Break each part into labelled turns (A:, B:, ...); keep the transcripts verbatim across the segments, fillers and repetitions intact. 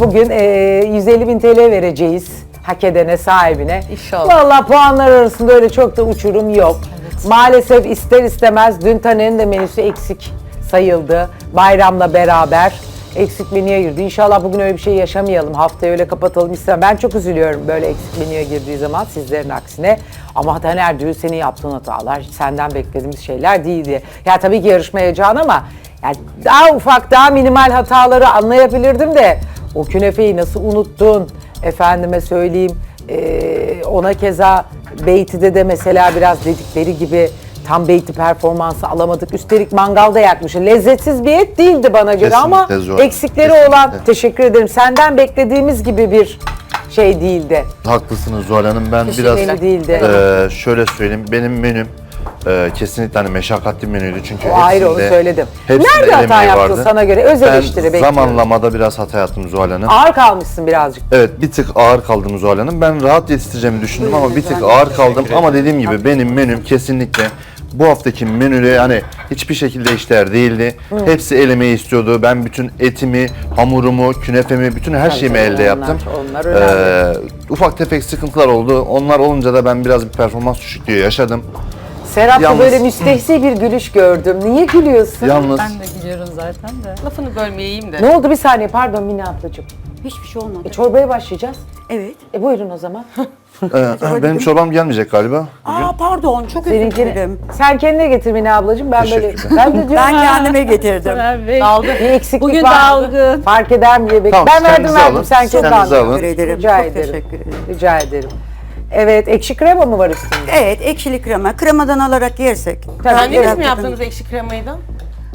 A: bugün e, yüz elli bin T L vereceğiz hak edene, sahibine.
B: İnşallah.
A: Vallahi puanlar arasında öyle çok da uçurum yok.
B: Evet.
A: Maalesef ister istemez dün Taner'in de menüsü eksik sayıldı. Bayramla beraber eksik menüye girdi. İnşallah bugün öyle bir şey yaşamayalım. Haftayı öyle kapatalım istemem. Ben çok üzülüyorum böyle eksik menüye girdiği zaman, sizlerin aksine. Ama Taner diyor, senin yaptığın hatalar hiç senden beklediğimiz şeyler değildi. Ya tabii ki yarışma heyecanı ama yani daha ufak, daha minimal hataları anlayabilirdim de o künefeyi nasıl unuttun? Efendime söyleyeyim, ee, ona keza Beyti'de de mesela biraz dedikleri gibi tam beyti performansı alamadık. Üstelik mangalda yakmış. Lezzetsiz bir et değildi bana göre ama
C: zor.
A: eksikleri
C: Kesinlikle.
A: olan, teşekkür ederim. Senden beklediğimiz gibi bir şey değildi.
C: Haklısınız Zuhal Hanım. Ben
A: Teşekkür
C: biraz
A: değildi.
C: e, şöyle söyleyeyim. Benim menüm e, kesinlikle hani meşakkatli menüydü çünkü
A: O ayrı, onu
C: hepsinde-
A: söyledim.
C: hepsinde
A: Nerede
C: el
A: hata
C: emeği
A: yaptın
C: vardı.
A: sana göre? Öz eleştiri
C: Ben
A: bekliyorum.
C: zamanlamada biraz hata yaptım Zuhal Hanım.
A: Ağır kalmışsın birazcık.
C: Evet, bir tık ağır kaldım Zuhal Hanım. Ben rahat yetiştireceğimi düşündüm ama bir tık ağır kaldım. Ama dediğim gibi benim menüm kesinlikle bu haftaki menüde hani hiçbir şekilde eşdeğer değildi. Hepsi el emeği istiyordu. Ben bütün etimi, hamurumu, künefemi, bütün her şeyimi
A: tabii,
C: elde
A: onlar-
C: yaptım.
A: onlar önemli.
C: Ee, ufak tefek sıkıntılar oldu. Onlar olunca da ben biraz bir performans düşüklüğü yaşadım.
A: Serap'ta
C: Yalnız-
A: böyle müstehsi bir gülüş gördüm. Niye gülüyorsun?
C: Yalnız
D: Ben de gülüyorum zaten de.
B: Lafını bölmeyeyim de.
A: Ne oldu, bir saniye pardon Mine ablacığım.
E: Hiçbir şey olmadı.
A: E, çorbaya başlayacağız.
E: Evet.
A: E buyurun o zaman.
C: e, benim çorbam gelmeyecek galiba.
E: Aa pardon, çok özür
A: Seninkini.
E: dilerim.
A: Sen kendine getir Mine ablacığım. Ben böyle
C: Teşekkürler.
A: ben de diyorum.
E: Ben kendime getirdim.
D: Soner Bey.
B: Daldı.
A: Bir eksiklik
D: Bugün
A: var.
D: dalgın.
A: Fark eder mi diye bekliyorum.
C: Tamam,
A: Ben verdim
C: kendinize
A: verdim.
C: alın.
A: Sen kendi
C: Kendinize
A: al.
C: alın.
E: Teşekkür ederim.
A: Rica
E: çok
A: ederim.
E: teşekkür ederim.
A: Rica ederim. Evet, ekşi krema mı var üstünde?
E: Evet, ekşili krema. Kremadan alarak yersek.
B: Kendiniz
E: Biraz
B: mi
E: yakın.
B: yaptınız ekşi kremayı da?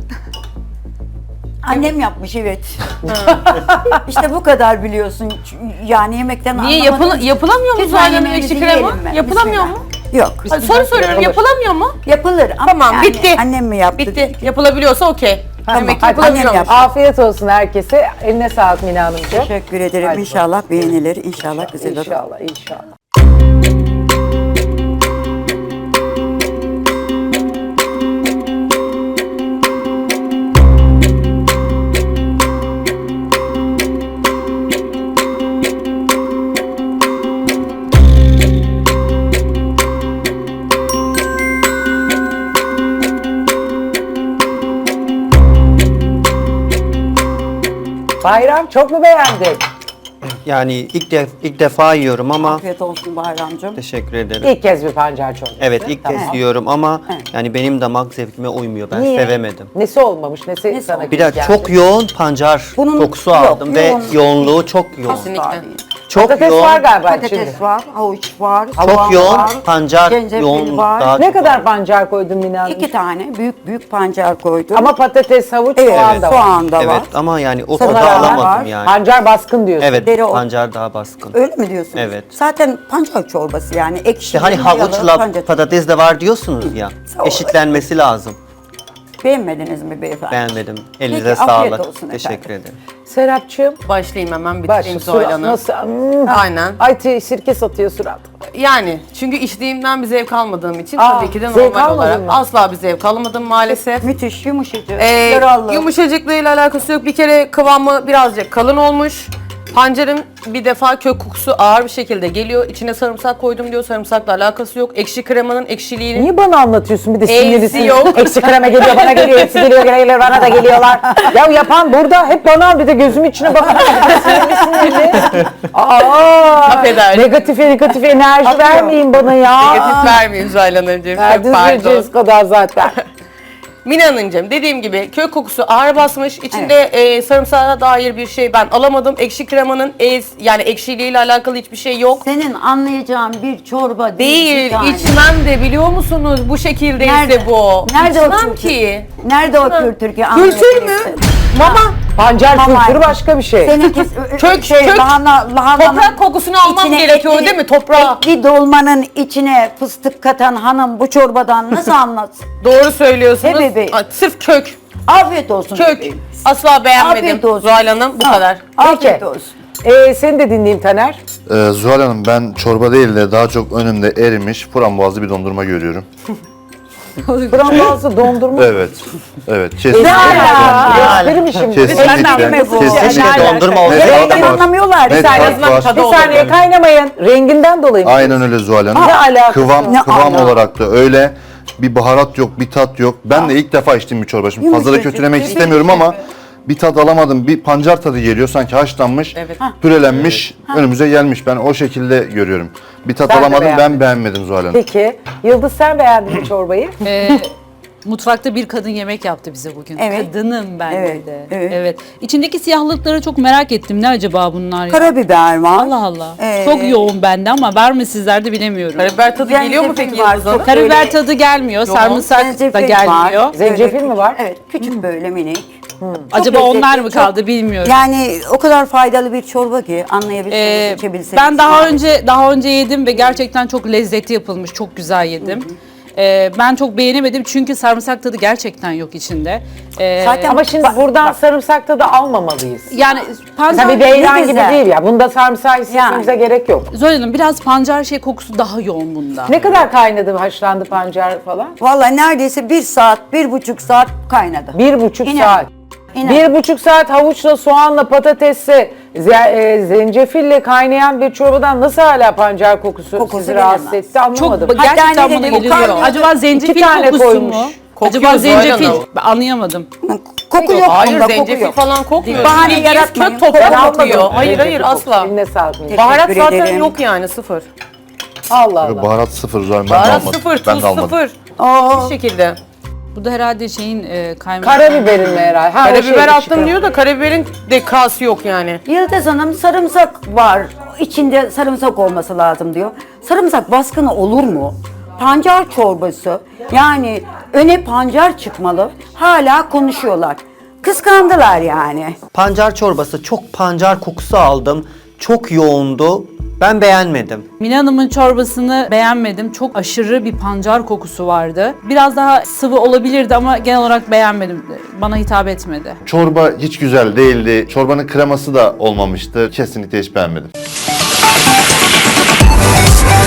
E: Annem yapmış, evet. işte bu kadar biliyorsun. Yani yemekten
B: Niye
E: anlamadığım-
B: yapıl yapılamıyor mu
E: Lütfen
B: Zuhal Hanım
E: yemeğinizi
B: ekşi krema?
E: yiyelim mi?
B: Yapılamıyor mu?
E: Bismillah. Yok.
B: Hadi soru soruyorum,
A: Olur.
B: yapılamıyor mu?
E: Yapılır ama
B: Tamam,
E: yani
B: bitti.
E: annem mi yaptı?
B: Bitti. Yapılabiliyorsa okey.
A: Tamam,
B: Demek ki
A: hadi
B: yapılabiliyormuş.
E: annem yaptı.
A: Afiyet olsun herkese. Eline sağlık Mine Hanımcığım.
E: Teşekkür ederim.
A: Hadi
E: İnşallah beğenilir. İnşallah güzel olur.
A: İnşallah, inşallah. Bayram çok mu beğendin?
F: Yani ilk def ilk defa yiyorum ama
E: Afiyet olsun Bayramcığım.
F: teşekkür ederim.
A: İlk kez bir pancar çorbası.
F: Evet ilk
A: Tamam.
F: kez yiyorum ama
E: Evet.
F: yani benim damak zevkime uymuyor. Ben
A: Niye?
F: sevemedim.
A: Nesi olmamış, nesi,
E: Nesi
A: sana
E: olmamış?
F: Bir de
A: geldi?
F: çok yoğun pancar
E: Bunun-
F: kokusu
E: yok,
F: aldım ve
E: yoğun-
F: yoğunluğu çok yoğun.
B: Kesinlikle.
E: Asla değil.
F: Çok
A: Patates
F: yoğun.
A: var galiba içinde.
E: Patates var, havuç var,
F: Çok
E: soğan
F: yoğun
E: var,
F: pancar
E: zencefil
F: yoğunluk
E: var.
F: daha
A: Ne
F: çok
A: kadar
F: var.
A: pancar koydun Mine Hanım?
E: İki tane büyük büyük pancar koydum.
A: Ama patates, havuç,
E: evet,
A: soğan da var.
E: soğan da var.
F: Evet ama yani o
E: Sana
F: tadı
E: rağmen
F: alamadım
E: var.
F: yani.
A: Pancar baskın diyorsun.
F: Evet
E: Dereotu.
F: pancar daha baskın.
E: Öyle mi diyorsunuz?
F: Evet.
E: Zaten pancar çorbası yani ekşi.
F: İşte hani
E: mayalı
F: havuçla
E: pancar-
F: patates de var diyorsunuz ya.
E: Sağ ol.
F: Eşitlenmesi lazım.
E: Beğenmediniz mi beyefendi?
F: Beğenmedim. Elinize
E: Peki, afiyet
F: sağlık.
E: olsun
F: Teşekkür
E: efendim.
F: ederim.
A: Serapcığım.
B: Başlayayım hemen
A: Baş,
B: bitireyim Zuhal
A: surat
B: Hanım.
A: nasıl? Hmm.
B: Aynen.
A: Ay t- sirke satıyor surat.
B: Yani çünkü içtiğimden bir zevk almadığım için
A: Aa,
B: tabii ki de
A: zevk
B: normal
A: almadın
B: olarak
A: mı?
B: asla bir zevk alamadım maalesef.
E: Müthiş yumuşacık,
B: Ee,
E: yaralı.
B: yumuşacıklığıyla alakası yok. Bir kere kıvamı birazcık kalın olmuş. Pancarın bir defa kök kokusu ağır bir şekilde geliyor. İçine sarımsak koydum diyor. Sarımsakla alakası yok. Ekşi kremanın ekşiliğini
A: Niye bana anlatıyorsun bir de
B: E'si
A: sinirlisin?
B: yok.
A: Eksik krema geliyor, bana geliyor, hepsi geliyor, geliyor, bana da geliyorlar. Ya yapan burada, hep bana bir de gözümün içine bakın. Sinirli sinirli. Aa,
B: Affedersin.
A: negatif negatif enerji vermeyin bana ya.
B: negatif vermeyin Zuhal Hanımcığım. Çok
A: Verdiniz
B: pardon.
A: vereceğiz kadar zaten.
B: Mine Hanımcığım dediğim gibi kök kokusu ağır basmış. İçinde e, sarımsağa dair bir şey ben alamadım. Ekşi kremanın ez, yani ekşiliğiyle alakalı hiçbir şey yok.
E: Senin anlayacağın bir çorba değil.
B: Değil,
E: bir tane.
B: içmem de biliyor musunuz bu şekildeyse
E: Nerede?
B: bu.
E: Nerede o
B: İçmem
E: kültür?
B: ki.
E: Nerede o kültür ki?
B: Kültür mü?
E: anlayabilirsin?
B: Mama.
A: Pancar
E: Mama.
A: kültürü başka bir şey.
E: Seninki
B: Kök,
E: şey,
B: kök.
E: lahana, lahananın
B: Toprak kokusunu almam
E: içine
B: gerekiyor
E: etli-
B: değil mi? Toprağı.
E: Etli dolmanın içine fıstık katan hanım bu çorbadan nasıl anlatsın?
B: Doğru söylüyorsunuz.
E: He bebeğim.
B: Aa, Sırf kök.
E: Afiyet olsun.
B: Kök.
E: bebeğim.
B: Asla beğenmedim
E: Afiyet olsun.
B: Zuhal Hanım. Bu
E: Ha,
B: kadar.
E: Afiyet
A: Peki.
E: olsun.
A: Ee, seni de dinleyeyim Taner.
C: Ee, Zuhal Hanım ben çorba değil de daha çok önümde erimiş frambuazlı bir dondurma görüyorum.
A: Frambuazlı dondurma.
C: Evet. Evet.
A: Ne
C: Kesinlikle.
A: alaka? Gösterir mi şimdi?
C: Kesinlikle.
E: mi bu?
C: Kesinlikle.
E: Ne
F: Dondurma olsa
C: Net
E: Renginden
C: tat var.
E: anlamıyorlar.
C: Net
E: Bir saniye,
C: tat var.
B: tadı
A: Bir saniye
C: Yani
A: kaynamayın. Renginden dolayı mı?
C: aynen öyle Zuhal Hanım.
A: Ne alakası
C: Kıvam,
E: var?
C: kıvam
E: Ne
C: olarak da öyle. Bir baharat yok, bir tat yok. Ben de ilk defa içtiğim bir çorba. Şimdi fazla da
E: Yumuşacık,
C: kötülemek
E: yumuşacık.
C: istemiyorum ama bir tat alamadım. Bir pancar tadı geliyor. Sanki haşlanmış,
B: Evet.
C: pürelenmiş, önümüze gelmiş. Ben o şekilde görüyorum. Bir tat
A: Ben de
C: alamadım,
A: beğenmedim.
C: ben beğenmedim Zuhal Hanım.
A: Peki. Yıldız sen beğendin mi çorbayı?
D: Ee, mutfakta bir kadın yemek yaptı bize bugün.
E: Evet.
D: Kadınım ben
E: Evet,
D: dedi.
E: evet.
D: İçindeki siyahlıkları çok merak ettim. Ne acaba bunlar ya?
E: Karabiber var.
D: Allah Allah.
E: Ee,
D: Çok yoğun bende ama var mı sizlerde bilemiyorum.
B: Karabiber tadı
E: Zencefil
B: geliyor mu peki
E: var,
B: Yıldız Hanım?
E: çok-
D: Karabiber
E: Böyle-
D: tadı gelmiyor. Sarımsak da
E: Zencefil
D: gelmiyor.
E: var.
A: Zencefil
E: Böyle
A: mi var?
E: Evet, küçük böyle minik.
D: Acaba
E: lezzetli,
D: onlar mı
E: çok-
D: kaldı bilmiyorum.
E: Yani o kadar faydalı bir çorba ki anlayabilirsiniz,
D: Ee,
E: içebilirsiniz.
D: ben daha önce daha önce yedim ve gerçekten çok lezzetli yapılmış. Çok güzel yedim. Ee, ben çok beğenemedim çünkü sarımsak tadı gerçekten yok içinde. Ee,
E: Zaten-
A: Ama şimdi
E: Bak-
A: buradan sarımsakta da almamalıyız.
D: yani pancar
A: Tabii beyran
E: ne
A: gibi
E: güzel.
A: değil ya. Bunda sarımsağı hissetmemize
E: Yani.
A: gerek yok.
D: Zoran Hanım biraz pancar şey kokusu daha yoğun bunda.
A: Ne kadar kaynadı, haşlandı pancar falan?
E: Vallahi neredeyse bir saat, bir buçuk saat kaynadı.
A: Bir buçuk
E: İnan.
A: saat.
E: İnan.
A: Bir buçuk saat havuçla, soğanla, patatesle, ze- e, zencefille kaynayan bir çorbadan nasıl hala pancar kokusu,
E: Kokusu
A: sizi rahatsız
E: gelemez.
A: etti anlamadım.
D: Çok
E: Hatta
D: gerçekten
E: ne
D: bana
E: dedi, bu
D: geliyor.
E: kaynıyor.
D: Acaba zencefil
A: İki tane
D: kokusu
A: koymuş.
D: mu?
B: Kokuyor
D: Acaba
B: Zuhal
D: zencefil?
B: Hanım.
D: Ben anlayamadım.
E: Koku yok
B: Hayır
E: bunda, koku
B: zencefil
E: yok.
B: falan kokmuyor.
E: Bahane
B: Bildiğiniz
E: yaratmayın.
B: Kök toprağı
A: Ben
B: kokuyor.
A: almadım.
B: Hayır hayır
A: Zencefil kokusu.
B: asla.
A: Eline sağlık. Melih.
B: Baharat
E: Teşekkür
B: zaten
E: ederim.
B: yok yani sıfır.
A: Allah Allah.
C: Baharat sıfır Zuhal Hanım. Ben de
B: Baharat
C: almadım.
B: sıfır,
C: Ben
B: tuz
C: de almadım.
B: sıfır.
E: Oo.
B: Bu şekilde.
D: Bu da herhalde şeyin e, kaymak.
A: Karabiberin mi herhalde? Ha, o şey,
B: Karabiber attım
A: çıkıyor.
B: diyor da karabiberin de kası yok yani.
E: Yıldız Hanım sarımsak var. İçinde sarımsak olması lazım diyor. Sarımsak baskını olur mu? Pancar çorbası. Yani öne pancar çıkmalı. Hala konuşuyorlar. Kıskandılar yani.
F: Pancar çorbası, çok pancar kokusu aldım. Çok yoğundu. Ben beğenmedim.
D: Mine Hanım'ın çorbasını beğenmedim. Çok aşırı bir pancar kokusu vardı. Biraz daha sıvı olabilirdi ama genel olarak beğenmedim. Bana hitap etmedi.
C: Çorba hiç güzel değildi. Çorbanın kreması da olmamıştı. Kesinlikle hiç beğenmedim.